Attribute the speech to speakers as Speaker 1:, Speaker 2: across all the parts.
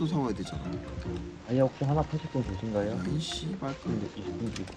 Speaker 1: 또 사와야 되잖아.
Speaker 2: 아니 혹시 하나 파실 분 계신가요?
Speaker 1: 아이 씨발
Speaker 2: 근데 20분 주고.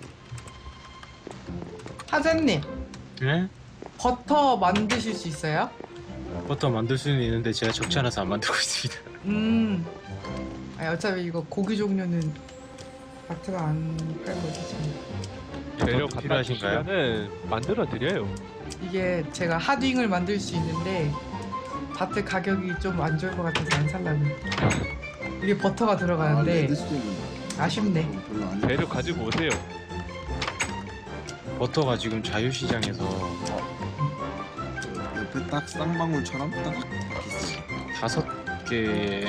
Speaker 3: 하재님
Speaker 4: 네?
Speaker 3: 버터 만드실 수 있어요?
Speaker 4: 버터 만들 수는 있는데 제가 적지 않아서 안 만들고 있습니다.
Speaker 3: 아니 어차피 이거 고기 종류는 마트가 안 팔고 있잖아요.
Speaker 5: 재료
Speaker 4: 버터
Speaker 5: 갖다
Speaker 4: 필요하신가요?
Speaker 5: 주시면은 만들어 드려요.
Speaker 3: 이게 제가 핫윙을 만들 수 있는데 마트 가격이 좀 안 좋을 것 같아서 안 살라고. 이게 버터가 들어가는데 아쉽네.
Speaker 1: 별로 안
Speaker 5: 재료 가지고 오세요.
Speaker 4: 버터가 지금 자유시장에서
Speaker 1: 옆에 딱 쌍방울처럼 딱 있어.
Speaker 4: 5개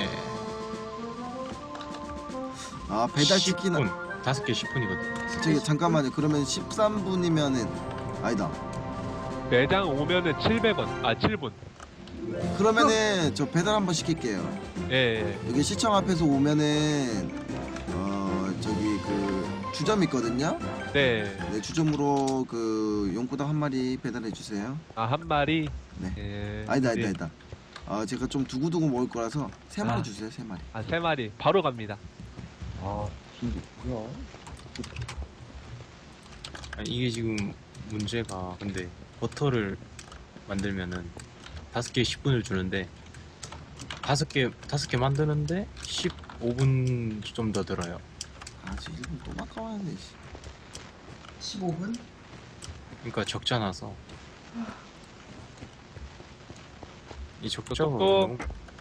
Speaker 1: 아 배달시키는
Speaker 4: 10분 5개 10분이거든.
Speaker 1: 저기 잠깐만요. 그러면 13분이면은 아니다.
Speaker 5: 매장 오면은 700원. 아 7분.
Speaker 1: 그러면은 저 배달 한번 시킬게요.
Speaker 5: 예.
Speaker 1: 여기 시청 앞에서 오면은 저기 그 주점 있거든요.
Speaker 5: 네.
Speaker 1: 네 주점으로 그 용구당 한 마리 배달해 주세요.
Speaker 5: 아 한 마리.
Speaker 1: 네.
Speaker 5: 예.
Speaker 1: 아니다
Speaker 5: 네.
Speaker 1: 아니다 아니다. 제가 좀 두고두고 먹을 거라서 3마리
Speaker 5: 아.
Speaker 1: 주세요. 3마리.
Speaker 5: 아 3마리. 바로 갑니다.
Speaker 2: 아 진짜 뭐야?
Speaker 4: 아니, 이게 지금 문제가 근데 버터를 만들면은 5개 10분을 주는데 5개 만드는데 15분 좀 더 들어요.
Speaker 1: 저 1분 또 바꿔야네.
Speaker 3: 15분?
Speaker 4: 그러니까 적잖아서 이
Speaker 5: 똑똑.
Speaker 4: 적자가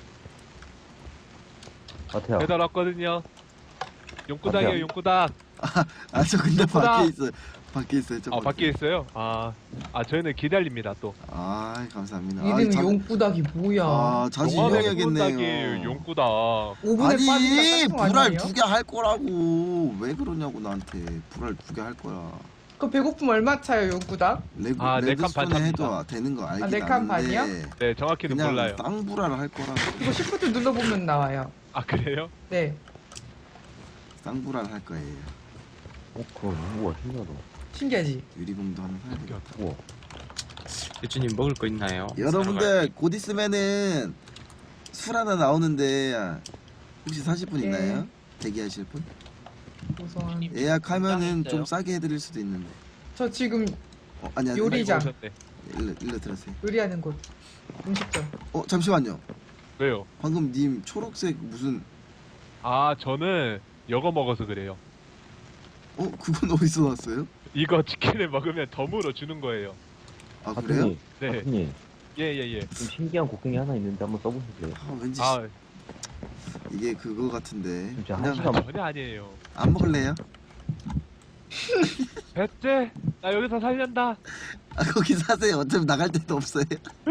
Speaker 2: 마태야.
Speaker 5: 배달 왔거든요. 용구당이에요.
Speaker 2: 맞아요.
Speaker 5: 용구당.
Speaker 1: 저 근데
Speaker 5: 예쁘다.
Speaker 1: 밖에 있어요. 밖에 있어요. 저
Speaker 5: 아 밖에 있어요? 아 저희는 기다립니다 또.
Speaker 1: 감사합니다.
Speaker 3: 이름이 용구닭이 뭐야?
Speaker 1: 자주
Speaker 5: 용구당이에요.
Speaker 1: 이용해야겠네요.
Speaker 5: 용구당.
Speaker 3: 5분에
Speaker 1: 아니
Speaker 3: 빠지니까
Speaker 1: 불알
Speaker 3: 아니에요?
Speaker 1: 2개 할 거라고. 왜 그러냐고 나한테. 불알 2개 할 거야.
Speaker 3: 그 배고픔 얼마 차요 용구닭?
Speaker 5: 네 칸 반
Speaker 1: 레드스톤에 해도
Speaker 5: 찹니다.
Speaker 1: 되는 거 알긴
Speaker 3: 네 칸
Speaker 1: 아는데
Speaker 3: 반이요?
Speaker 5: 네 정확히는 몰라요.
Speaker 1: 그냥 쌍불알 할 거라고.
Speaker 3: 이거 시프트 눌러보면 나와요.
Speaker 5: 아 그래요?
Speaker 3: 네.
Speaker 1: 쌍불알 할 거예요.
Speaker 2: 그럼 우와 신기하다.
Speaker 3: 신기하지?
Speaker 1: 유리봉도 하나 사야 돼.
Speaker 2: 우와.
Speaker 4: 대주님 먹을 거 있나요?
Speaker 1: 여러분들 곧 있으면은 술 하나 나오는데 혹시 사실 분
Speaker 3: 네.
Speaker 1: 있나요? 대기하실 분?
Speaker 3: 우선
Speaker 1: 예약하면은 좀 싸게 해드릴 수도 있는데.
Speaker 3: 저 지금
Speaker 1: 아니야.
Speaker 3: 요리장.
Speaker 5: 오셨네.
Speaker 1: 일로 들어세요.
Speaker 3: 요리하는 곳 음식점.
Speaker 1: 잠시만요.
Speaker 5: 왜요?
Speaker 1: 방금 님 초록색 무슨
Speaker 5: 아 저는 이거 먹어서 그래요.
Speaker 1: 그건 어디서 나왔어요?
Speaker 5: 이거 치킨을 먹으면 덤으로 주는 거예요.
Speaker 1: 아 그래요?
Speaker 5: 네.
Speaker 2: 하트님
Speaker 5: 예예예.
Speaker 2: 좀 신기한 곡괭이 하나 있는데 한번 써보실래요?
Speaker 1: 왠지
Speaker 5: 아
Speaker 1: 이게 그거 같은데.
Speaker 2: 진짜 한
Speaker 1: 그냥
Speaker 2: 시간
Speaker 5: 전혀 아니에요.
Speaker 1: 안 먹을래요?
Speaker 5: 배째 나 여기서 살련다.
Speaker 1: 거기 사세요. 어차피 나갈 데도 없어요.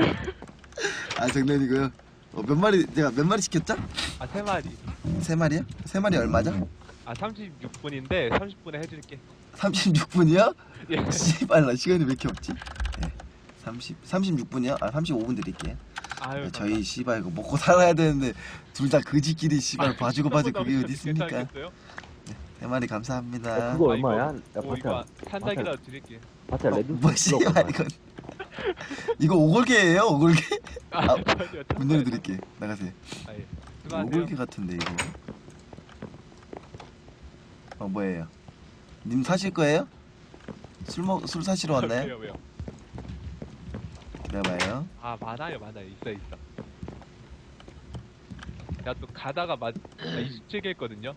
Speaker 1: 장난이고요. 몇 마리 제가 몇 마리 시켰죠?
Speaker 5: 아 3마리.
Speaker 1: 3마리요? 3마리 얼마죠?
Speaker 5: 아 36분인데 30분에 해줄게.
Speaker 1: 36분이요?
Speaker 5: 예.
Speaker 1: 씨발 나 시간이 왜 이렇게 없지? 네. 36분이요? 35분 드릴게요.
Speaker 5: 아유
Speaker 1: 네, 저희 씨발 이거 먹고 살아야 되는데 둘 다 그지끼리 씨발 봐주고 봐주고 그게 어디 있습니까?
Speaker 5: 괜찮겠어요?
Speaker 1: 3마리 감사합니다.
Speaker 2: 그거
Speaker 5: 아,
Speaker 2: 얼마야? 야
Speaker 5: 이거
Speaker 2: 마태야.
Speaker 5: 산닭이라도 드릴게.
Speaker 2: 마태야 레드
Speaker 1: 뭐 씨발 이건 이거 오골개예요 오골개?
Speaker 5: 아 전혀.
Speaker 1: 문 열어드릴게. 나가세요.
Speaker 5: 아, 예. 수고하세요.
Speaker 1: 오골개 같은데 이거. 뭐예요? 님 사실 거예요? 술 사시러 왔나요?
Speaker 5: 왜요 왜요?
Speaker 1: 기다려봐요.
Speaker 5: 아 많아요 있어. 야 또 가다가 27개 했거든요.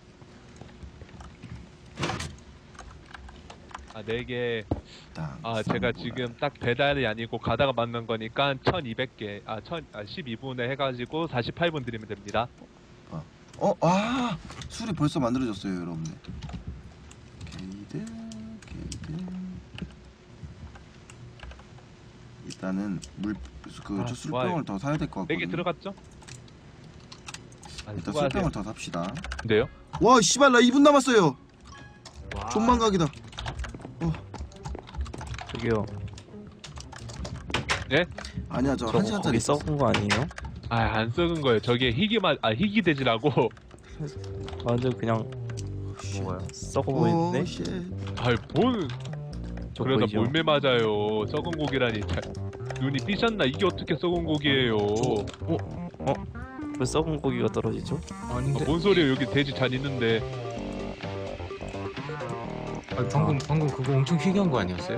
Speaker 5: 아 4개. 제가 지금 딱 배달이 아니고 가다가 만난 거니까 1200개 12분에 해가지고 48분 드리면 됩니다.
Speaker 1: 술이 벌써 만들어졌어요 여러분들. 게이드 일단은 저 술병을
Speaker 5: 좋아요.
Speaker 1: 더 사야 될 것
Speaker 5: 4개
Speaker 1: 같거든요.
Speaker 5: 들어갔죠?
Speaker 1: 일단 술병을 더 삽시다.
Speaker 5: 근데요?
Speaker 1: 와 씨발 나 2분 남았어요. 존망각이다.
Speaker 6: 저기요.
Speaker 5: 네?
Speaker 1: 아니야 저
Speaker 6: 저거
Speaker 1: 1시간짜리
Speaker 6: 거기 썩은 거 아니에요?
Speaker 5: 안 썩은 거예요. 저게 희귀 돼지라고.
Speaker 6: 완전 그냥 뭐가요? 썩어 보이는데?
Speaker 5: 뭔
Speaker 6: 저
Speaker 5: 그러다
Speaker 6: 보이죠?
Speaker 5: 몰매 맞아요. 썩은 고기라니. 눈이 삐셨나? 이게 어떻게 썩은 고기예요?
Speaker 6: 왜 썩은 고기가 떨어지죠?
Speaker 4: 아닌데.
Speaker 5: 뭔 소리야? 여기 돼지 잘 있는데.
Speaker 4: 방금 그거 엄청 희귀한 거 아니었어요?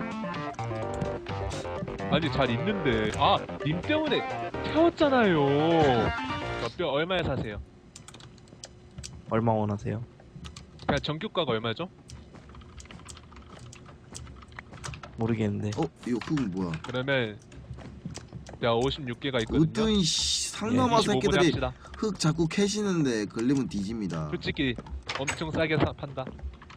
Speaker 5: 아니 잘 있는데. 아, 님 때문에 태웠잖아요. 뼈 얼마에 사세요?
Speaker 6: 얼마 원하세요?
Speaker 5: 그냥 정규가가 얼마죠?
Speaker 6: 모르겠는데.
Speaker 1: 이거 흙은 뭐야?
Speaker 5: 그러면 내가 56개가 있거든요.
Speaker 1: 으뜸 상남아
Speaker 5: 25분에
Speaker 1: 새끼들이
Speaker 5: 합시다.
Speaker 1: 흙 자꾸 캐시는데 걸리면 뒤집니다.
Speaker 5: 솔직히 엄청 싸게 판다.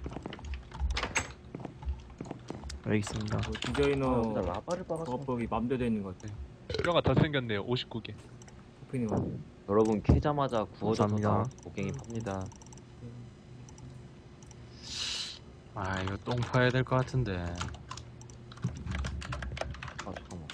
Speaker 6: 알겠습니다.
Speaker 2: 나 라바를 박았어.
Speaker 7: 작업법이 맘대로 되는 것 같아.
Speaker 5: 뼈가 더 생겼네요. 59개.
Speaker 7: 오프닝 와.
Speaker 2: 여러분 캐자마자 구워져서
Speaker 6: 감사합니다.
Speaker 2: 곡괭이 팝니다.
Speaker 4: 아 이거 똥 파야 될 것 같은데.
Speaker 2: 아 잠깐만.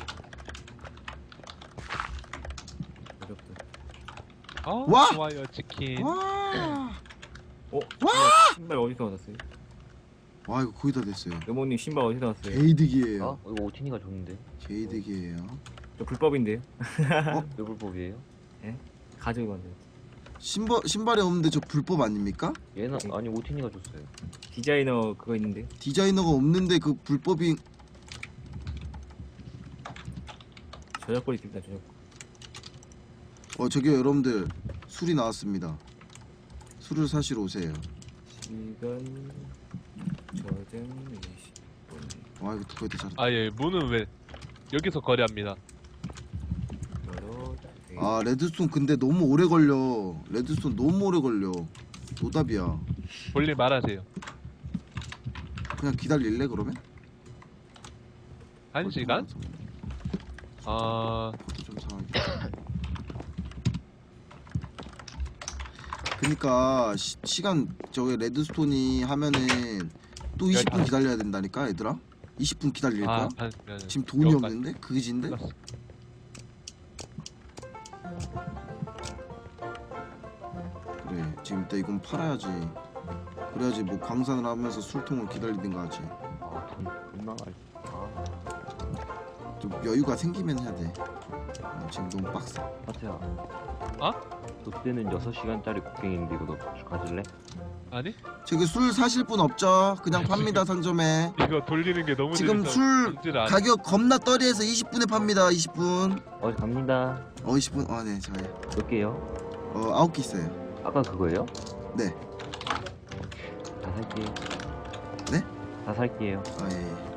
Speaker 7: 어렵다.
Speaker 5: 아,
Speaker 1: 와!
Speaker 5: 좋아요 치킨.
Speaker 1: 와,
Speaker 7: 신발 어디서 얻었어요?
Speaker 1: 와 이거 거의 다 됐어요.
Speaker 7: 여모님 신발 어디서 얻었어요?
Speaker 1: 개이득이에요.
Speaker 2: 어? 이거 오티니가 줬는데.
Speaker 1: 개이득이에요.
Speaker 7: 저 불법인데요?
Speaker 2: 외불법이에요?
Speaker 7: 가지고 왔는데.
Speaker 1: 신발이 없는데 저 불법 아닙니까?
Speaker 2: 얘는 아니 오티니가 줬어요.
Speaker 7: 디자이너 그거 있는데.
Speaker 1: 디자이너가 없는데 그 불법이
Speaker 7: 저작권 있습니다. 저작권.
Speaker 1: 저기요 여러분들 술이 나왔습니다. 술을 사시러 오세요.
Speaker 7: 시간 저장 20분.
Speaker 1: 와 이거 거의 다 잘했다.
Speaker 5: 아 예, 문은 왜 여기서 거래합니다.
Speaker 7: 열어.
Speaker 1: 아 레드스톤 근데 너무 오래 걸려. 레드스톤 너무 오래 걸려. 노답이야.
Speaker 5: 볼일 말하세요.
Speaker 1: 그냥 기다릴래 그러면?
Speaker 5: 1시간? 아,
Speaker 1: 그것도 좀 상하게. 그니까 시간 저기 레드스톤이 하면은 또 20분 기다려야 된다니까 얘들아. 20분 기다릴 거야? 지금 돈이 없는데? 그지인데? 그래 지금 일단 이건 팔아야지. 그래야지 뭐 광산을 하면서 술통을 기다리든가 하지.
Speaker 2: 아돈 나갈. 아
Speaker 1: 좀 여유가 생기면 해야 돼. 지금 너무 빡세.
Speaker 2: 하트야.
Speaker 5: 어?
Speaker 2: 너 때는 6시간짜리 곡괭인데 이거 너 가질래?
Speaker 5: 아니?
Speaker 1: 저기 술 사실 분 없죠? 그냥 팝니다 상점에.
Speaker 5: 이거 돌리는 게 너무
Speaker 1: 지금
Speaker 5: 재밌어.
Speaker 1: 술
Speaker 5: 뭔지를 아네.
Speaker 1: 가격 겁나 떨이해서 20분에 팝니다. 20분.
Speaker 2: 갑니다.
Speaker 1: 20분. 네, 저요.
Speaker 2: 몇 개요?
Speaker 1: 9개 있어요.
Speaker 2: 아까 그거예요?
Speaker 1: 네.
Speaker 2: 다 살게요.
Speaker 1: 네?
Speaker 2: 다 살게요.
Speaker 1: 예.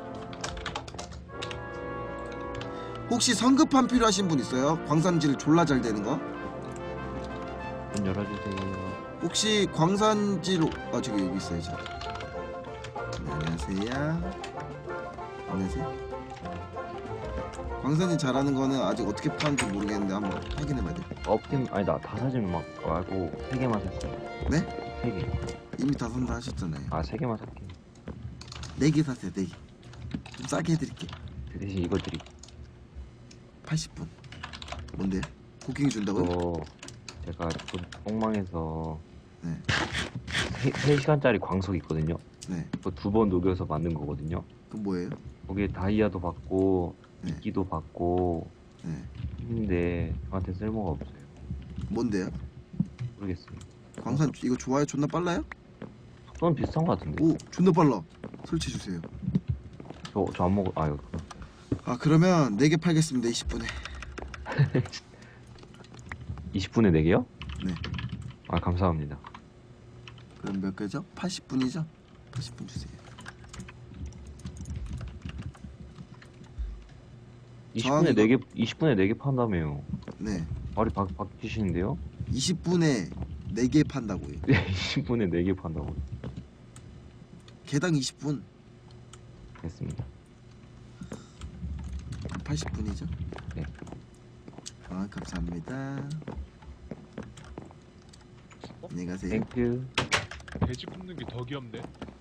Speaker 1: 혹시 성급함 필요하신 분 있어요? 광산질 졸라 잘 되는 거?
Speaker 2: 문 열어주세요.
Speaker 1: 혹시 광산질 저기 여기 있어요. 저. 네, 안녕하세요. 안녕하세요. 광산질 잘하는 거는 아직 어떻게 파는지 모르겠는데 한번 확인해봐야 돼.
Speaker 2: 업템 아니다. 다 사지는 막 말고 3개만 샀어요.
Speaker 1: 네?
Speaker 2: 3개.
Speaker 1: 이미 다 산다 하셨잖아요.
Speaker 2: 3개만 살게.
Speaker 1: 4개 사세요. 4개. 좀 싸게 해드릴게.
Speaker 2: 그 대신 이거 드릴게.
Speaker 1: 80분. 뭔데요? 고킹 준다고요?
Speaker 2: 이거 제가 똥망에서
Speaker 1: 네.
Speaker 2: 3시간짜리 광석 있거든요.
Speaker 1: 네.
Speaker 2: 그거 2번 녹여서 만든 거거든요.
Speaker 1: 그럼 뭐예요?
Speaker 2: 거기에 다이아도 받고
Speaker 1: 네.
Speaker 2: 이끼도 받고
Speaker 1: 네.
Speaker 2: 했는데 저한테 쓸모가 없어요.
Speaker 1: 뭔데요?
Speaker 2: 모르겠어요.
Speaker 1: 광산 이거 좋아요? 존나 빨라요?
Speaker 2: 속도는 비슷한 거 같은데.
Speaker 1: 오 존나 빨라. 설치해 주세요.
Speaker 2: 저 안 먹어. 이거
Speaker 1: 그러면 4개 팔겠습니다. 20분에.
Speaker 2: 20분에 4개요?
Speaker 1: 네.
Speaker 2: 감사합니다.
Speaker 1: 그럼 몇 개죠? 80분이죠? 80분 주세요.
Speaker 2: 20분에
Speaker 1: 이거-
Speaker 2: 4개 20분에 4개 판다며요.
Speaker 1: 네.
Speaker 2: 말이 바뀌시는데요?
Speaker 1: 20분에 4개 판다고요.
Speaker 2: 20분에 4개 판다고.
Speaker 1: 개당 20분.
Speaker 2: 됐습니다.
Speaker 1: 80분이죠?
Speaker 2: 네.
Speaker 1: 감사합니다. 안녕히 가세요.
Speaker 2: 땡큐.
Speaker 5: 돼지 굽는 게 더 귀엽네.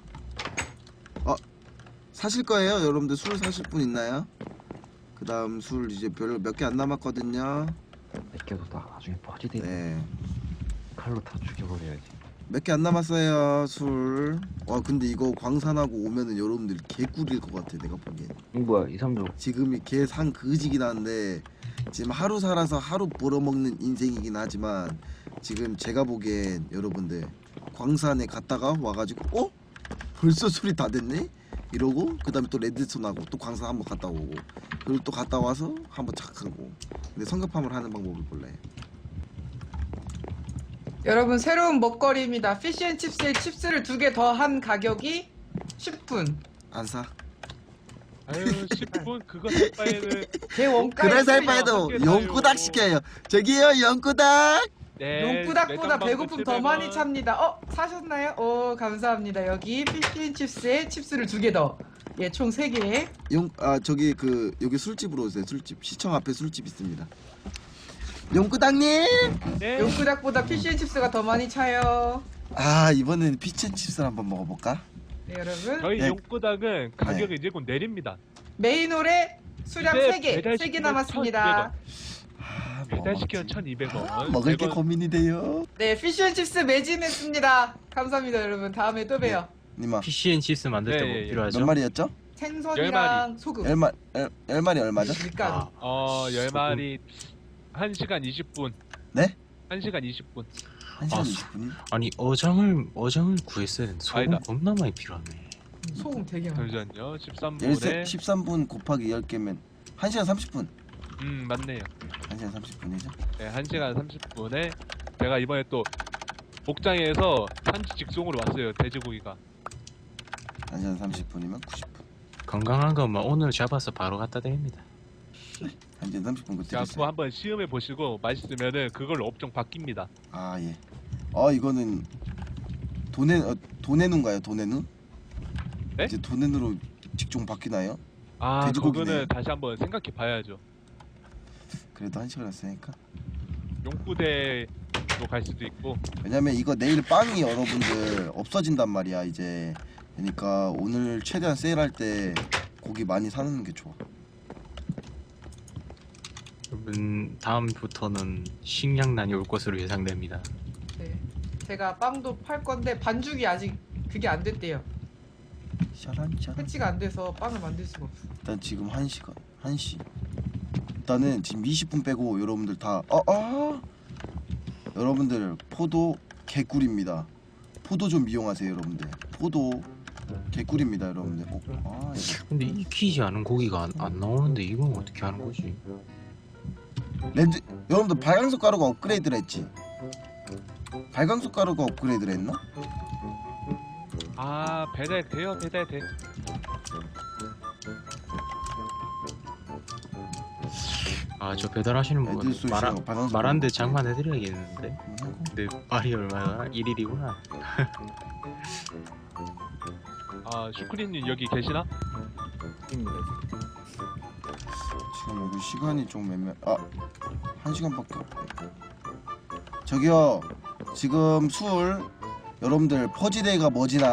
Speaker 1: 사실 거예요? 여러분들 술 사실 분 있나요? 그 다음 술 이제 별로 몇 개 안 남았거든요.
Speaker 2: 내껴도 다 나중에 퍼지대.
Speaker 1: 네.
Speaker 2: 칼로 다 죽여버려야지.
Speaker 1: 몇 개 안 남았어요 술. 와 근데 이거 광산하고 오면은 여러분들 개꿀일 것 같아 내가 보기엔.
Speaker 2: 뭐야 2, 3조.
Speaker 1: 지금이 개상 그지긴 한데 지금 하루 살아서 하루 벌어먹는 인생이긴 하지만 지금 제가 보기엔 여러분들 광산에 갔다가 와가지고 어? 벌써 술이 다 됐네? 이러고 그 다음에 또 레드스톤하고 또 광산 한번 갔다 오고 그리고 또 갔다 와서 한번 착 하고. 근데 성급함을 하는 방법을 몰라요.
Speaker 3: 여러분 새로운 먹거리입니다. 피쉬앤칩스에 칩스를 2개 더 한 가격이 10분.
Speaker 1: 안 사?
Speaker 5: 아유 10분 그거 살 바에는
Speaker 3: 제 원가에
Speaker 1: 그래서 할
Speaker 3: 쓰여.
Speaker 1: 바에도
Speaker 5: 함께 사요.
Speaker 1: 용구닭 시켜요. 저기요 용구닭.
Speaker 5: 네,
Speaker 3: 용구닭보다
Speaker 5: 매장
Speaker 3: 배고픔 더
Speaker 5: 700원.
Speaker 3: 많이 찹니다. 사셨나요? 감사합니다. 여기 피쉬앤칩스에 칩스를 2개 더. 예, 총 3개.
Speaker 1: 저기 여기 술집으로 오세요. 술집 시청 앞에 술집 있습니다. 용구닭님.
Speaker 5: 네.
Speaker 3: 용구닭보다 피쉬앤칩스가 더 많이 차요.
Speaker 1: 아 이번엔 피치앤칩스를 한번 먹어볼까?
Speaker 3: 네, 여러분.
Speaker 5: 저희
Speaker 1: 네.
Speaker 5: 용구닭은 가격이 이제 곧 내립니다.
Speaker 3: 메인홀에 수량
Speaker 5: 이제
Speaker 3: 3개.
Speaker 5: 배달
Speaker 3: 3개
Speaker 5: 시키면
Speaker 3: 남았습니다.
Speaker 1: 아, 뭐
Speaker 5: 배달시키면
Speaker 1: 먹지?
Speaker 5: 1,200원.
Speaker 1: 먹을 게 고민이 돼요.
Speaker 3: 네, 피쉬앤칩스 매진했습니다. 감사합니다, 여러분. 다음에 또 봬요.
Speaker 1: 님아
Speaker 4: PC&칩스 만들 때 뭐
Speaker 5: 예, 예, 예.
Speaker 4: 필요하죠?
Speaker 1: 몇 마리였죠?
Speaker 3: 생선이랑 소금.
Speaker 1: 10마리 얼마죠?
Speaker 3: 밀가루.
Speaker 5: 10마리 1시간 20분.
Speaker 1: 네?
Speaker 5: 1시간 20분.
Speaker 1: 1시간
Speaker 4: 아,
Speaker 1: 20분이?
Speaker 4: 아니 어장을 구했어야 되는데 소금
Speaker 5: 아니다.
Speaker 4: 겁나 많이 필요하네.
Speaker 3: 소금 되게 많아.
Speaker 5: 잠시만요. 13분에
Speaker 1: 13분 곱하기 10개면 1시간 30분.
Speaker 5: 맞네요.
Speaker 1: 1시간 30분이죠?
Speaker 5: 네, 1시간 30분에 제가 이번에 또 목장에서 산지 직송으로 왔어요. 돼지고기가.
Speaker 1: 1시간 30분이면 90분.
Speaker 4: 건강한 것만 오늘 잡아서 바로 갖다 드립니다.
Speaker 1: 1시간 30분 그때
Speaker 5: 자, 그거 한번 시음해 보시고 맛있으면은 그걸로 업종 바뀝니다.
Speaker 1: 아 예. 이거는 도네누인가요? 도네누?
Speaker 5: 네?
Speaker 1: 이제 도네누로 직종 바뀌나요?
Speaker 5: 아,
Speaker 1: 돼지고기네.
Speaker 5: 그거는 다시 한번 생각해 봐야죠.
Speaker 1: 그래도 1시간 했으니까.
Speaker 5: 용부대로 갈 수도 있고.
Speaker 1: 왜냐면 이거 내일 빵이 여러분들 없어진단 말이야 이제. 그러니까 오늘 최대한 세일할 때 고기 많이 사는 게 좋아.
Speaker 4: 여러분 다음부터는 식량난이 올 것으로 예상됩니다.
Speaker 3: 네. 제가 빵도 팔 건데 반죽이 아직 그게 안 됐대요.
Speaker 1: 샤란.
Speaker 3: 패치가 안 돼서 빵을 만들 수가 없어.
Speaker 1: 일단 지금 1시. 일단은 지금 20분 빼고 여러분들 다 여러분들 포도 개꿀입니다. 포도 좀 이용하세요 여러분들. 포도 개꿀입니다 여러분들. 이거.
Speaker 4: 근데 익히지 않은 고기가 안 나오는데 이건 어떻게 하는 거지?
Speaker 1: 여러분들 발광석 가루가 업그레이드를 했지? 발광석 가루가 업그레이드를 했나?
Speaker 5: 아, 배달돼요. 배달돼.
Speaker 4: 아 저 배달하시는 분
Speaker 1: 애들 쏘시오. 발광석
Speaker 4: 말한데
Speaker 1: 가루.
Speaker 4: 장만해드려야겠는데. 근데 말이 얼마나 1일이구나.
Speaker 5: 아, 슈크림님 여기 계시나?
Speaker 7: 입니다.
Speaker 1: 지금 여기 시간이 좀 1시간밖에 없네. 저기요 지금 술 여러분들 퍼지데이가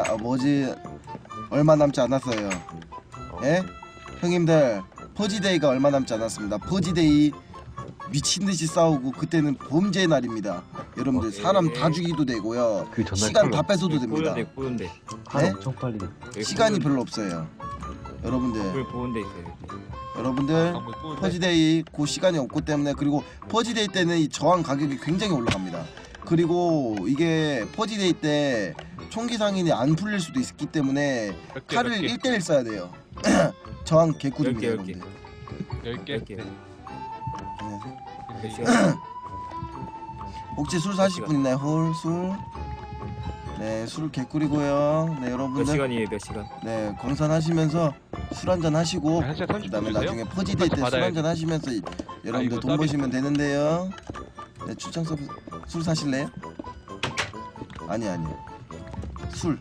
Speaker 1: 얼마 남지 않았어요. 예? 형님들 퍼지데이가 얼마 남지 않았습니다. 퍼지데이 미친듯이 싸우고 그때는 범죄의 날입니다. 여러분들 사람 다 죽이도 되고요.
Speaker 2: 그 전날
Speaker 1: 시간 다 뺏어도 됩니다.
Speaker 7: 보온데
Speaker 2: 하루
Speaker 1: 네?
Speaker 2: 엄청 빨리.
Speaker 1: 시간이 별로 없어요. 여러분들
Speaker 7: 보온데 있어요.
Speaker 1: 여러분들
Speaker 5: 방금 꾸는데.
Speaker 1: 퍼지데이 그 시간이 없기 때문에. 그리고 퍼지데이 때는 이 저항 가격이 굉장히 올라갑니다. 그리고 이게 퍼지데이 때 총기 상인이 안 풀릴 수도 있기 때문에
Speaker 5: 몇 개,
Speaker 1: 칼을
Speaker 5: 몇 개?
Speaker 1: 1대1 써야 돼요. 저항 개꿀입니다
Speaker 7: 10개.
Speaker 1: 여러분들.
Speaker 5: 10개.
Speaker 7: 10개.
Speaker 1: 안녕하세요.
Speaker 7: 몇 시간?
Speaker 1: 혹시 술 사실 분 있나요? 술? 네, 술 개꿀이고요. 네,
Speaker 7: 몇
Speaker 1: 여러분들.
Speaker 7: 시간이에요? 몇 시간?
Speaker 1: 네, 광산 하시면서 술 한잔 하시고
Speaker 5: 네, 1시간 30분
Speaker 1: 그다음에
Speaker 5: 주세요?
Speaker 1: 나중에 퍼지데이 때 술
Speaker 5: 받아야지.
Speaker 1: 한잔 하시면서 여러분들
Speaker 5: 이거
Speaker 1: 돈
Speaker 5: 서비스.
Speaker 1: 버시면 되는데요. 네, 출장 서비스 술 사실래요? 아니. 술.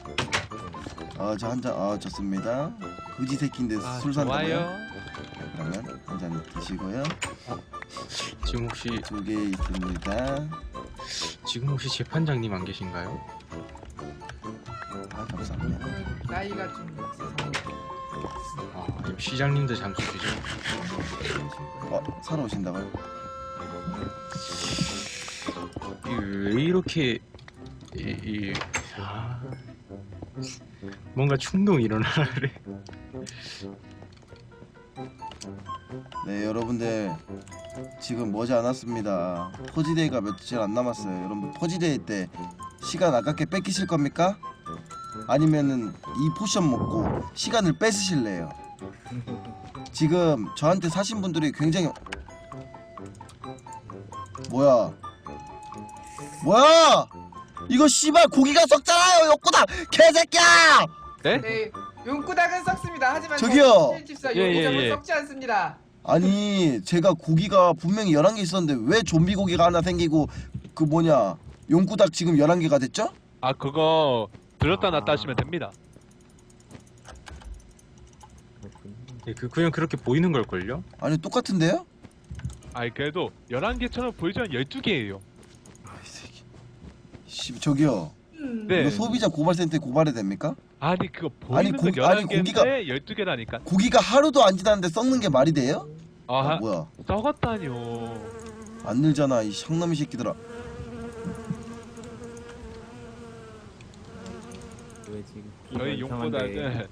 Speaker 1: 저 한 잔. 좋습니다. 그지 새끼인데
Speaker 5: 아,
Speaker 1: 술 산다고요?
Speaker 5: 좋아요.
Speaker 1: 그러면 한 잔 드시고요.
Speaker 4: 지금 혹시
Speaker 1: 2개 있습니다.
Speaker 4: 재판장님 안 계신가요?
Speaker 1: 감사합니다.
Speaker 3: 나이가 좀 있어서
Speaker 4: 아 시장님도 잠시 주죠.
Speaker 1: 사러 오신다고요?
Speaker 4: 왜 이렇게 아, 뭔가 충동이 일어나래.
Speaker 1: 네 여러분들 지금 머지 않았습니다. 퍼지데이가 며칠 안 남았어요. 여러분들 퍼지데이 때 시간 아깝게 뺏기실 겁니까? 아니면은 이 포션 먹고 시간을 뺏으실래요? 지금 저한테 사신 분들이 굉장히 뭐야 이거 씨발 고기가 썩잖아요. 욕구다 개새끼야.
Speaker 3: 네, 용구닭은 썩습니다. 하지만
Speaker 1: 저기요.
Speaker 3: 집사
Speaker 5: 예,
Speaker 3: 용구닭은
Speaker 5: 예.
Speaker 3: 썩지 않습니다.
Speaker 1: 아니 제가 고기가 분명히 11개 있었는데 왜 좀비 고기가 하나 생기고 그 뭐냐 용구닭 지금 11개가 됐죠?
Speaker 5: 아 그거 들었다 놨다 하시면 됩니다.
Speaker 4: 예, 그냥 그렇게 보이는 걸걸요?
Speaker 1: 아니 똑같은데요?
Speaker 5: 아니 그래도 11개처럼 보이지만 12개예요.
Speaker 1: 이 새끼. 씨 저기요
Speaker 5: 네.
Speaker 1: 이거 소비자 고발센터에 고발해도 됩니까?
Speaker 5: 아니 그거
Speaker 1: 아니,
Speaker 5: 보이는 건
Speaker 1: 아니,
Speaker 5: 11개인데
Speaker 1: 고기가-
Speaker 5: 12개라니까.
Speaker 1: 고기가 하루도 안 지났는데 썩는 게 말이 돼요?
Speaker 5: 아,
Speaker 1: 뭐야
Speaker 5: 썩었다뇨.
Speaker 1: 안 늘잖아 이 샹놈이 새끼들아.
Speaker 7: 왜 지금
Speaker 5: 저희
Speaker 7: 이상한데.
Speaker 5: 용보다는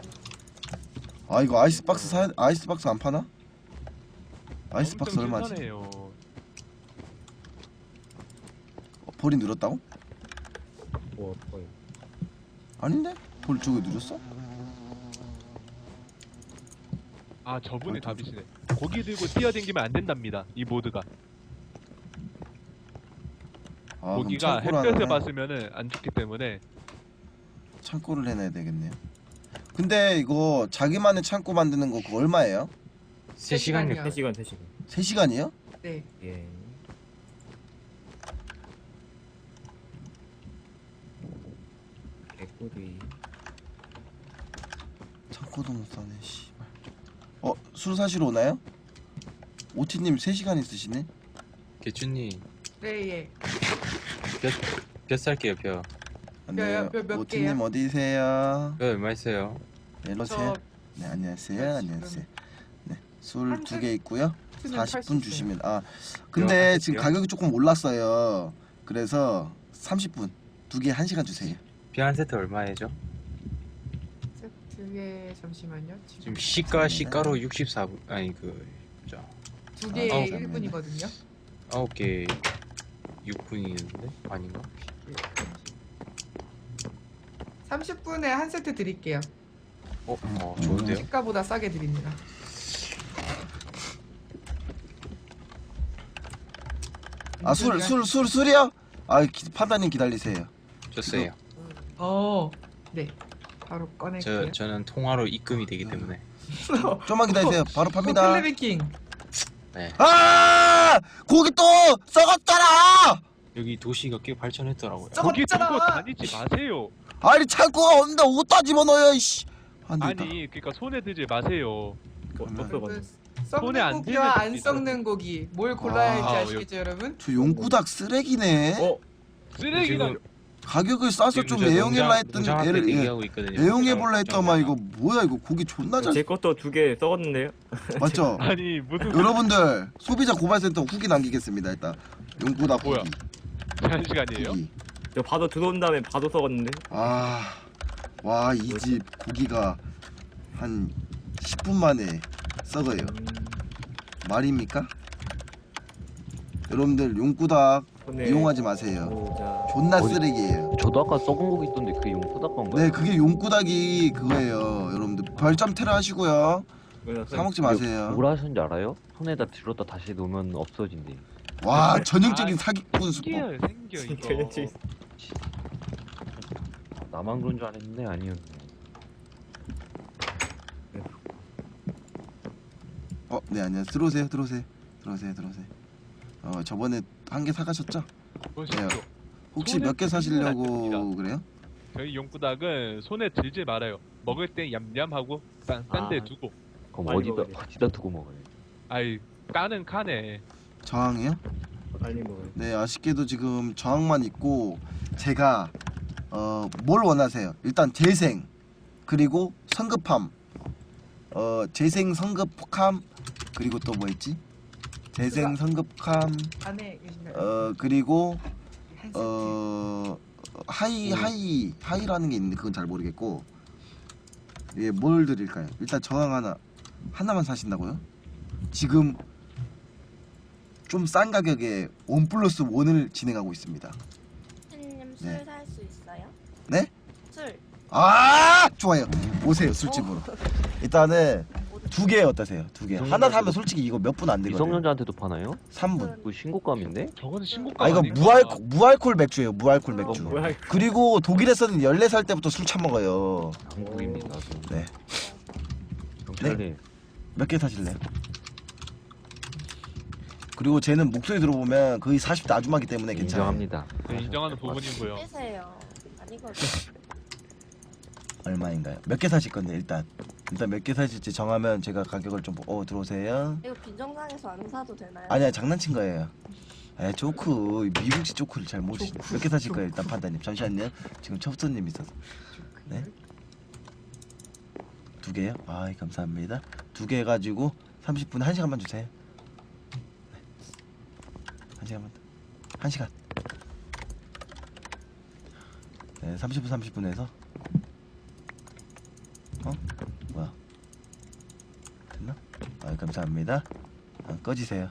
Speaker 1: 아 이거 아이스박스 안 파나? 아이스박스
Speaker 5: 엄청
Speaker 1: 얼마지?
Speaker 5: 신선해요.
Speaker 1: 볼이 늘었다고?
Speaker 7: 뭐야?
Speaker 1: 아닌데? 볼 저기 늘었어?
Speaker 5: 아 저분이 답이시네. 고기 들고 뛰어댕기면 안 된답니다. 이 모드가.
Speaker 1: 아
Speaker 5: 고기가
Speaker 1: 그럼 창고를
Speaker 5: 햇볕에
Speaker 1: 하나
Speaker 5: 봤으면은 안 좋기 때문에.
Speaker 1: 창고를 해놔야 되겠네요. 근데 이거 자기만의 창고 만드는 거 그거 얼마예요?
Speaker 4: 3시간이요.
Speaker 7: 3시간 3시간.
Speaker 1: 3시간이요?
Speaker 3: 네.
Speaker 7: 예. 개꿀이.
Speaker 1: 창고도 못 사네 씨발. 술 사시러 오나요? 오티님 3시간 있으시네?
Speaker 4: 개준님
Speaker 3: 네, 예.
Speaker 4: 몇 살게요 벼?
Speaker 1: 안녕하세요.
Speaker 3: 몇
Speaker 1: 오티님
Speaker 3: 개요?
Speaker 1: 어디세요?
Speaker 4: 벼 얼마 있어요?
Speaker 1: 네, 일로세요.
Speaker 3: 저
Speaker 1: 네 안녕하세요.
Speaker 3: 지금
Speaker 1: 안녕하세요. 네, 술
Speaker 3: 한
Speaker 1: 2개 있고요.
Speaker 3: 수는 팔수
Speaker 1: 40분
Speaker 3: 있어요.
Speaker 1: 주시면 근데
Speaker 4: 요,
Speaker 1: 지금
Speaker 4: 요.
Speaker 1: 가격이 조금 올랐어요. 그래서 30분 2개 1시간 주세요.
Speaker 4: 벼 한 세트 얼마예요?
Speaker 3: 세트에 잠시만요.
Speaker 4: 지금 시가로 64분 아니
Speaker 3: 두 개에
Speaker 1: 아우,
Speaker 3: 1분이거든요.
Speaker 4: 9개 6분이는데 아닌가?
Speaker 3: 30분에 한 세트 드릴게요.
Speaker 4: 좋은데요?
Speaker 3: 시가보다 싸게 드립니다.
Speaker 1: 술이요? 판단님 기다리세요.
Speaker 4: 줬어요.
Speaker 3: 네. 바로 꺼낼게요.
Speaker 4: 저는 통화로 입금이 되기 때문에.
Speaker 1: 좀만 기다리세요. 바로 팝니다.
Speaker 3: 클레비킹.
Speaker 4: 네.
Speaker 1: 고기 또 썩었잖아.
Speaker 4: 여기 도시가 꽤 발전했더라고요.
Speaker 5: 고기 들고
Speaker 3: 썩었잖아.
Speaker 5: 다니지 마세요.
Speaker 1: 아니 창고가 없는데 어디다 집어넣어요 이씨. 안 되겠다.
Speaker 5: 아니 그러니까 손에 들지 마세요.
Speaker 1: 그러면
Speaker 3: 여러분,
Speaker 5: 손에 안
Speaker 3: 썩는 고기와 안
Speaker 5: 됩니다.
Speaker 3: 썩는 고기 뭘 골라야 할지
Speaker 1: 아,
Speaker 3: 아시겠죠, 여러분?
Speaker 1: 저 용구닭 쓰레기네.
Speaker 5: 쓰레기가
Speaker 4: 지금
Speaker 1: 가격을 싸서 좀 애용해라 했던 애를
Speaker 4: 얘기하고 있거든요.
Speaker 1: 애용해볼라 했더만 이거 뭐야 이거 고기 존나 잘
Speaker 7: 제 것도 2개 썩었는데요?
Speaker 1: 맞죠?
Speaker 5: 아니 무슨
Speaker 1: 여러분들 소비자 고발센터 후기 남기겠습니다. 일단 용구닭
Speaker 5: 뭐야?
Speaker 1: 후기.
Speaker 5: 한 시간이에요?
Speaker 1: 후기.
Speaker 7: 저 바도 들어온 다음에 바도 썩었는데?
Speaker 1: 와 이 집 고기가 한 10분 만에 썩어요. 말입니까? 여러분들 용구닭
Speaker 7: 손에
Speaker 1: 이용하지 마세요.
Speaker 7: 모자.
Speaker 1: 존나
Speaker 2: 어디-
Speaker 1: 쓰레기예요.
Speaker 2: 저도 아까 썩은 고기 있던데 그게 용푸닥 건가요?
Speaker 1: 네 그게 용구닭이 그거예요. 여러분들 별점 테러 하시고요. 사 먹지 마세요.
Speaker 2: 뭐라 하셨는지 알아요? 손에다 들었다 다시 놓으면 없어진대.
Speaker 1: 와 전형적인
Speaker 5: 아,
Speaker 1: 사기꾼 수법.
Speaker 5: 생겨요 생겨 이거.
Speaker 7: 전형적인
Speaker 2: 나만 그런 줄 알았는데 아니었네.
Speaker 1: 네 안녕하세요. 들어오세요. 저번에 한 개 사가셨죠?
Speaker 5: 보십시오.
Speaker 1: 혹시
Speaker 5: 손에
Speaker 1: 몇 개
Speaker 5: 들면 안
Speaker 1: 사시려고
Speaker 5: 됩니다.
Speaker 1: 그래요?
Speaker 5: 저희 용구닭은 손에 들지 말아요. 먹을 때 얌얌하고 딴데
Speaker 7: 아.
Speaker 5: 두고.
Speaker 2: 그럼
Speaker 7: 빨리 먹어야
Speaker 2: 어디다 두고 먹어요?
Speaker 5: 아이 까는 칸에.
Speaker 1: 저항이요?
Speaker 7: 빨리 먹어요.
Speaker 1: 네 아쉽게도 지금 저항만 있고 제가 뭘 원하세요? 일단 재생 그리고 성급함 재생 성급함 그리고 또 뭐 있지? 재생 성급함
Speaker 3: 안에 계신가요?
Speaker 1: 그리고
Speaker 3: 한 세트.
Speaker 1: 하이라는 게 있는데 그건 잘 모르겠고. 예, 뭘 드릴까요? 일단 저항 하나만 사신다고요? 지금 좀 싼 가격에 1+1을 진행하고 있습니다.
Speaker 8: 님
Speaker 1: 네.
Speaker 8: 술 살 수 있어요?
Speaker 1: 네?
Speaker 8: 술.
Speaker 1: 아, 좋아요. 오세요, 술집으로. 일단은 2개 어떠세요? 2개. 하나 사면 솔직히 이거 몇 분 안 되거든요.
Speaker 2: 미성년자한테도 파나요?
Speaker 1: 3분.
Speaker 2: 그 신고감인데?
Speaker 5: 저거는 신고가
Speaker 1: 아, 이거 무알콜 맥주예요. 무알콜 맥주.
Speaker 7: 뭐야 이거.
Speaker 1: 그리고 독일에서는 14살 때부터 술 처먹어요.
Speaker 2: 한국입니다.
Speaker 1: 네.
Speaker 2: 경찰님.
Speaker 1: 몇 개 사실래요? 그리고 쟤는 목소리 들어보면 거의 40대 아줌마기 때문에 괜찮아요.
Speaker 2: 인정합니다.
Speaker 5: 네, 인정하는 부분이고요.
Speaker 8: 빼세요. 아니거든.
Speaker 1: 얼마인가요? 몇 개 사실 건데 일단 몇 개 사실지 정하면 제가 가격을 좀 들어오세요.
Speaker 8: 이거 빈정상에서 안 사도 되나요?
Speaker 1: 아니야, 장난친 거예요. 에, 조크 미국식 조크를 잘 모르시. 몇 개 사실 거예요 일단 판단님. 잠시만요. 지금 첩수님 있어서. 네? 2개요? 아, 감사합니다. 2개 해가지고 30분에 1시간만 주세요. 네. 1시간만. 1시간. 네, 30분 30분에서. 뭐야? 됐나? 아, 감사합니다. 꺼지세요.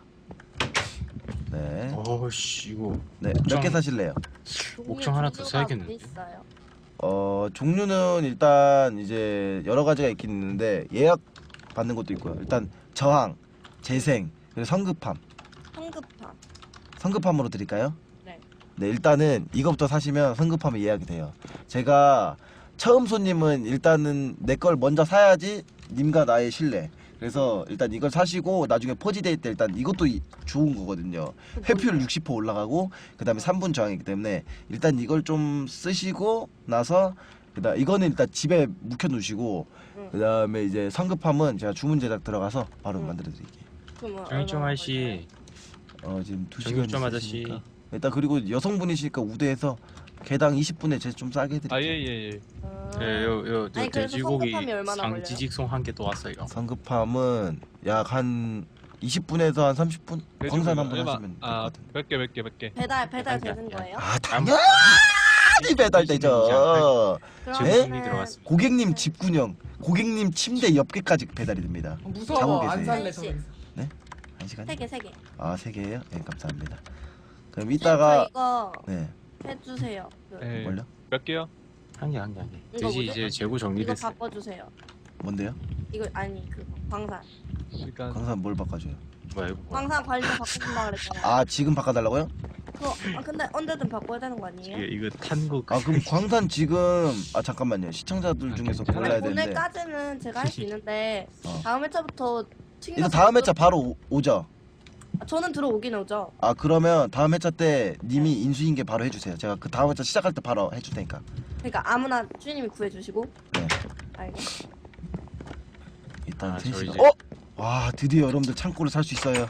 Speaker 1: 네.
Speaker 4: 어씨 이거
Speaker 1: 네, 몇 개 사실래요?
Speaker 4: 옥정 하나 더 사야겠는데.
Speaker 8: 있어요.
Speaker 1: 종류는 일단 이제 여러 가지가 있긴 있는데 예약 받는 것도 있고요. 일단 저항, 재생, 그리고 성급함.
Speaker 8: 성급함.
Speaker 1: 성급함으로 드릴까요?
Speaker 8: 네.
Speaker 1: 네, 일단은 이것부터 사시면 성급함이 예약이 돼요. 제가 처음 손님은 일단은 내 걸 먼저 사야지 님과 나의 신뢰. 그래서 일단 이걸 사시고 나중에 포지데이 때 일단 이것도 좋은 거거든요. 회피율 60% 올라가고 그 다음에 3분 저항이기 때문에 일단 이걸 좀 쓰시고 나서 그다음 이거는 일단 집에 묵혀 놓으시고 그 다음에 이제 성급함은 제가 주문 제작 들어가서 바로 만들어 드릴게요.
Speaker 4: 정일정 아저씨,
Speaker 1: 지금 2시간
Speaker 4: 정일정 아저씨.
Speaker 1: 일단 그리고 여성분이시니까 우대해서 개당 20분에 제가 좀 싸게 해드릴게요.
Speaker 5: 아, 예.
Speaker 4: 요
Speaker 8: 아니, 그래서
Speaker 4: 돼지고기
Speaker 8: 성급함이 얼마나 걸려요?
Speaker 4: 상지직송 한 개 또 왔어요.
Speaker 1: 성급함은 약 한 20분에서 한 30분? 광산 한번 하시면 될것 같은데.
Speaker 5: 몇 개.
Speaker 8: 배달
Speaker 4: 아니야,
Speaker 8: 되는 거예요?
Speaker 1: 아, 당연히 배달되죠.
Speaker 4: 제
Speaker 8: 그러면은
Speaker 4: 돈이 들어갔습니다.
Speaker 1: 고객님 집군형, 고객님 침대 옆에까지 배달이 됩니다. 자고
Speaker 3: 무서워. 안
Speaker 1: 계세요.
Speaker 3: 살래 저기서.
Speaker 1: 1시간?
Speaker 8: 3개.
Speaker 1: 아, 3개예요? 네, 감사합니다. 그럼
Speaker 8: 저
Speaker 1: 이따가
Speaker 8: 이거
Speaker 1: 네,
Speaker 8: 해주세요.
Speaker 5: 예.
Speaker 1: 뭘요?
Speaker 5: 몇 개요?
Speaker 4: 한 개.
Speaker 8: 이거
Speaker 4: 돼지
Speaker 8: 뭐죠?
Speaker 4: 이제 재고
Speaker 8: 이거
Speaker 4: 정리됐어요.
Speaker 8: 바꿔주세요.
Speaker 1: 뭔데요?
Speaker 8: 이거 아니 그거 광산.
Speaker 5: 시간.
Speaker 1: 광산 뭘 바꿔줘요?
Speaker 4: 뭐야 이거 뭐야?
Speaker 8: 광산 관리 바꿔준다 그랬잖아요.
Speaker 1: 아, 지금 바꿔달라고요?
Speaker 8: 그거 근데 언제든 바꿔야 되는 거 아니에요?
Speaker 4: 이거 탄거
Speaker 1: 아, 그럼 광산 지금 잠깐만요. 시청자들 중에서
Speaker 5: 괜찮아요.
Speaker 1: 골라야 되는데
Speaker 8: 오늘까지는 제가 할 수 있는데 다음 회차부터
Speaker 1: 이거 다음 회차 바로 오죠?
Speaker 8: 저는 들어오긴 오죠.
Speaker 1: 아, 그러면 다음 회차 때 님이 인수인계 바로 해주세요. 제가 그 다음 회차 시작할 때 바로 해줄 테니까.
Speaker 8: 그러니까 아무나 주인님이 구해주시고.
Speaker 1: 네.
Speaker 8: 알겠어.
Speaker 1: 일단
Speaker 4: 저
Speaker 1: 3시간.
Speaker 4: 이제-
Speaker 1: 와, 드디어 여러분들 창고를 살 수 있어요.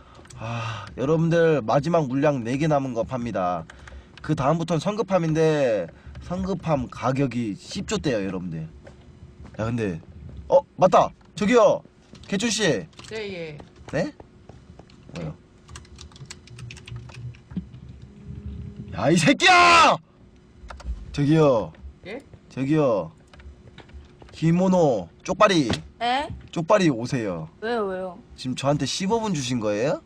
Speaker 1: 여러분들 마지막 물량 4개 남은 거 팝니다. 그 다음부터는 성급함인데 성급함 가격이 10조대요 여러분들. 야, 근데 맞다. 저기요, 개춘씨.
Speaker 3: 예.
Speaker 1: 네? 뭐요? 야, 이 새끼야! 저기요.
Speaker 3: 예?
Speaker 1: 저기요. 히모노 쪽발이
Speaker 8: 에?
Speaker 1: 쪽발이 오세요.
Speaker 8: 왜요?
Speaker 1: 지금 저한테 15분 주신 거예요?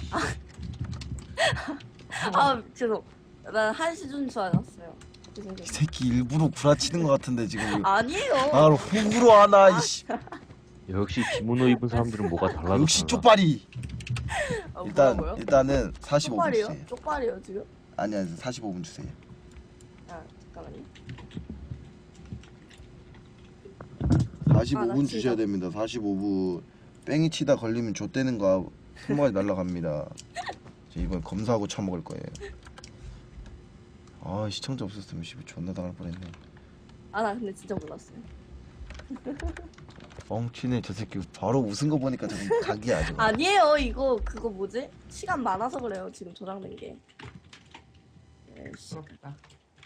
Speaker 8: 아 죄송. 난 1시 준줄 알았어요.
Speaker 1: 이 새끼 일부러 구라치는 것 같은데 지금.
Speaker 8: 아니에요.
Speaker 1: 나를 호구로 하나. 이씨.
Speaker 2: 역시 기모노 입은 사람들은 뭐가 달라서
Speaker 1: 역시
Speaker 2: 달라.
Speaker 1: 쪽발이.
Speaker 8: 뭐라고요?
Speaker 1: 일단은 45분
Speaker 8: 쪽발이요?
Speaker 1: 주세요.
Speaker 8: 쪽발이요 지금?
Speaker 1: 아니야, 45분 주세요.
Speaker 8: 잠깐만요.
Speaker 1: 45분
Speaker 8: 나
Speaker 1: 주셔야
Speaker 8: 진짜-
Speaker 1: 됩니다. 45분. 뺑이 치다 걸리면 좆되는 거 손모가지 날라갑니다. 저 이번 검사하고 처먹을 거예요. 아, 시청자 없었으면 씨발 존나 당할 뻔했네.
Speaker 8: 나 근데 진짜 몰랐어요.
Speaker 1: 뻥치네 저 새끼. 바로 웃은 거 보니까 조금 각이야 저거.
Speaker 8: 아니에요. 이거 그거 뭐지? 시간 많아서 그래요. 지금 저장된 게.
Speaker 3: 부럽다.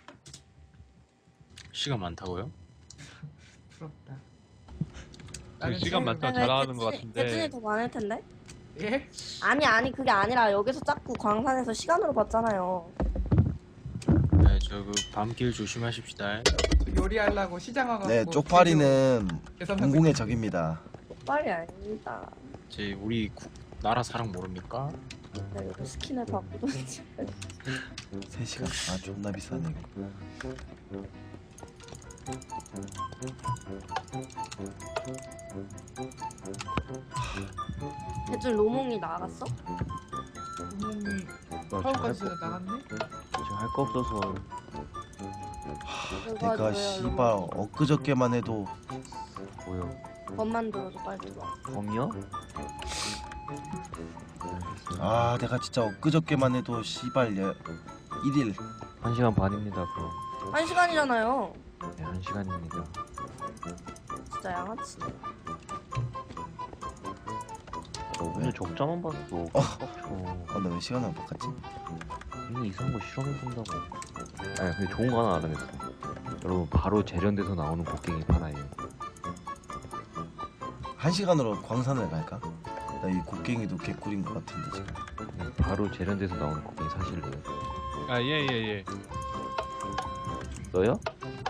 Speaker 4: 시간 많다고요?
Speaker 3: 부럽다.
Speaker 5: 시간 많다고 자랑하는 것 같은데.
Speaker 8: 대준이 더 많을 텐데?
Speaker 3: 예?
Speaker 8: 아니 그게 아니라 여기서 자꾸 광산에서 시간으로 봤잖아요.
Speaker 4: 네, 저그 밤길 조심하십시다.
Speaker 3: 요리하려고 시장 와가지고
Speaker 1: 네, 쪽파리는
Speaker 3: 재료
Speaker 1: 공공의 적입니다.
Speaker 8: 빨리 아닙니다.
Speaker 4: 제 우리 나라 사랑 모릅니까?
Speaker 8: 나 이거 스킨을 바꾸던지.
Speaker 1: 3시간. 아, 존나 비싸네.
Speaker 8: 대충 로몽이 나갔어?
Speaker 3: 구멍이
Speaker 2: 나
Speaker 3: 파워까지
Speaker 2: 지금
Speaker 3: 나갔네?
Speaker 2: 할 거 없어서
Speaker 1: 내가 씨발 엊그저께만 해도
Speaker 2: 뭐요?
Speaker 8: 법만 들어줘 빨리 들어와.
Speaker 2: 범이요?
Speaker 1: 아, 내가 진짜 엊그저께만 해도 씨발 1일
Speaker 2: 1시간 반입니다 그럼.
Speaker 8: 1시간이잖아요.
Speaker 2: 네 1시간입니다.
Speaker 8: 진짜 양아치.
Speaker 2: 오늘 적자만 봤어. 빡쳐.
Speaker 1: 나 왜 시간을 바꿨지?
Speaker 2: 이거 이상한 거 실험해본다고. 아니 근데 좋은 거 하나 알아냈어. 여러분 바로 재련돼서 나오는 곡괭이 하나예요.
Speaker 1: 1시간으로 광산을 갈까? 나 이 곡괭이도 개꿀인 것 같은데 지금.
Speaker 2: 네, 바로 재련돼서 나오는 곡괭이 사실래요?
Speaker 5: 아 예.
Speaker 2: 너요?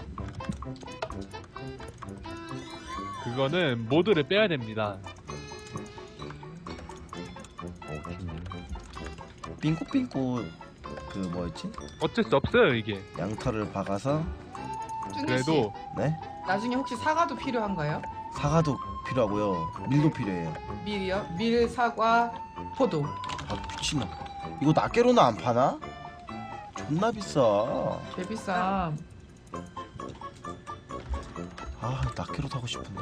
Speaker 5: 그거는 모드를 빼야 됩니다.
Speaker 2: 팀님.
Speaker 1: 삥꼬삥꼬 그 뭐였지?
Speaker 5: 어쩔 수 없어요 이게.
Speaker 1: 양털을 박아서
Speaker 3: 준희 씨,
Speaker 5: 그래도
Speaker 1: 네?
Speaker 3: 나중에 혹시 사과도 필요한가요?
Speaker 1: 사과도 필요하고요. 밀도 필요해요.
Speaker 3: 밀이요? 밀, 사과, 포도.
Speaker 1: 아, 미친놈. 이거 낱개로는 안 파나? 존나 비싸.
Speaker 3: 개비쌈.
Speaker 1: 아, 낱개로 사고 싶은데.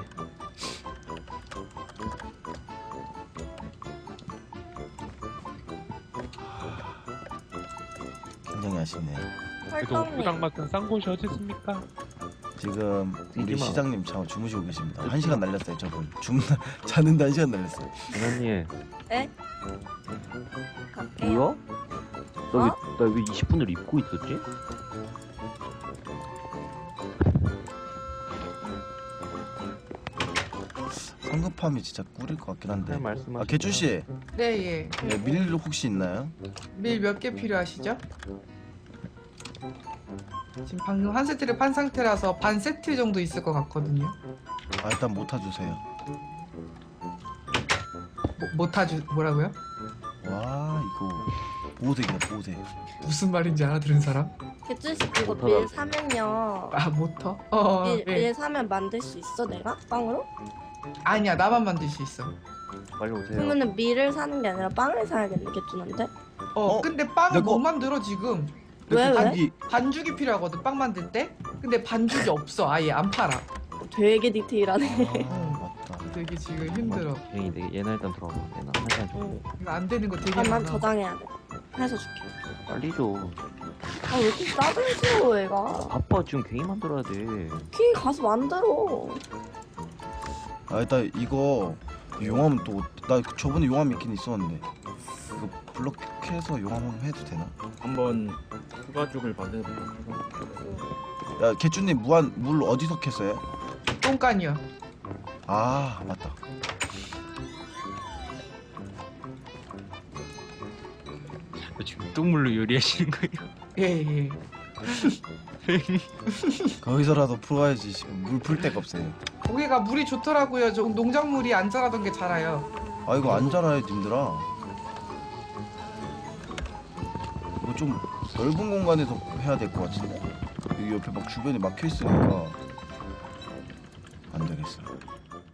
Speaker 1: 굉장히 아쉽네.
Speaker 5: 그래도
Speaker 8: 헐떡님.
Speaker 5: 포장마차 싼 곳이 어디 있습니까?
Speaker 1: 지금 우리
Speaker 2: 뛰지 마.
Speaker 1: 시장님 주무시고 계십니다. 1시간 날렸어요, 저분. 자는데 1시간 날렸어요.
Speaker 2: 은하님
Speaker 8: 에? 갈게요.
Speaker 2: 뭐야? 나왜 20분을 입고 있었지?
Speaker 1: 성급함이 진짜 꿀일 것 같긴 한데.
Speaker 2: 말씀하시죠.
Speaker 1: 아, 개준 씨,
Speaker 3: 네, 예.
Speaker 1: 네, 밀 혹시 있나요?
Speaker 3: 밀 몇 개 필요하시죠? 지금 방금 한 세트를 판 상태라서 반 세트 정도 있을 것 같거든요.
Speaker 1: 아, 일단 못 타주세요.
Speaker 3: 못 타주 뭐라고요?
Speaker 1: 와, 이거 보호색이야, 보호색.
Speaker 3: 무슨 말인지 알아들은 사람?
Speaker 8: 개쭈씨 그거
Speaker 2: 못하다.
Speaker 8: 밀 사면요.
Speaker 3: 아, 모터?
Speaker 8: 밀,
Speaker 3: 네.
Speaker 8: 밀 사면 만들 수 있어 내가? 빵으로?
Speaker 3: 아니야, 나만 만들 수 있어.
Speaker 2: 빨리 오세요.
Speaker 8: 그러면은 밀을 사는 게 아니라 빵을 사야겠네 개쭈한테?
Speaker 3: 근데 빵을
Speaker 1: 내거-
Speaker 3: 못 만들어 지금.
Speaker 8: 왜, 왜?
Speaker 1: 반기
Speaker 3: 반죽이 필요하거든, 빵 만들 때. 근데 반죽이 없어, 아예 안 팔아.
Speaker 8: 되게 디테일하네.
Speaker 1: 아, 맞다.
Speaker 3: 되게 지금 힘들어.
Speaker 2: 괜히 얘나 일단 들어가. 얘나 1시간 정도.
Speaker 8: 응.
Speaker 3: 이거 안 되는 거 되게
Speaker 8: 잠깐만
Speaker 3: 많아.
Speaker 8: 저장해야 돼. 해서 줄게.
Speaker 2: 빨리 줘.
Speaker 8: 아 왜 이렇게 싸들 줘 얘가.
Speaker 2: 바빠 지금 괜히 만들어야 돼.
Speaker 8: 키 가서 만들어.
Speaker 1: 아, 일단 이거 용암 또 나 저번에 용암 있긴 있었는데 이거 블록해서 용암 한번 해도 되나?
Speaker 7: 한번 추가죽을 만들어볼까?
Speaker 1: 야, 개준님 물 어디서 캤어요?
Speaker 3: 똥간이요.
Speaker 1: 아, 맞다.
Speaker 4: 지금 똥물로 요리하시는 거예요?
Speaker 3: 예, 예.
Speaker 1: 거기서라도 풀어야지. 지금 물 풀 데가 없어요.
Speaker 3: 거기가 물이 좋더라고요. 저 농작물이 안 자라던 게 자라요.
Speaker 1: 아, 이거 안 자라요, 님들아. 이거 좀 넓은 공간에서 해야 될 것 같은데. 여기 옆에 막 주변에 막혀 있으니까 안 되겠어.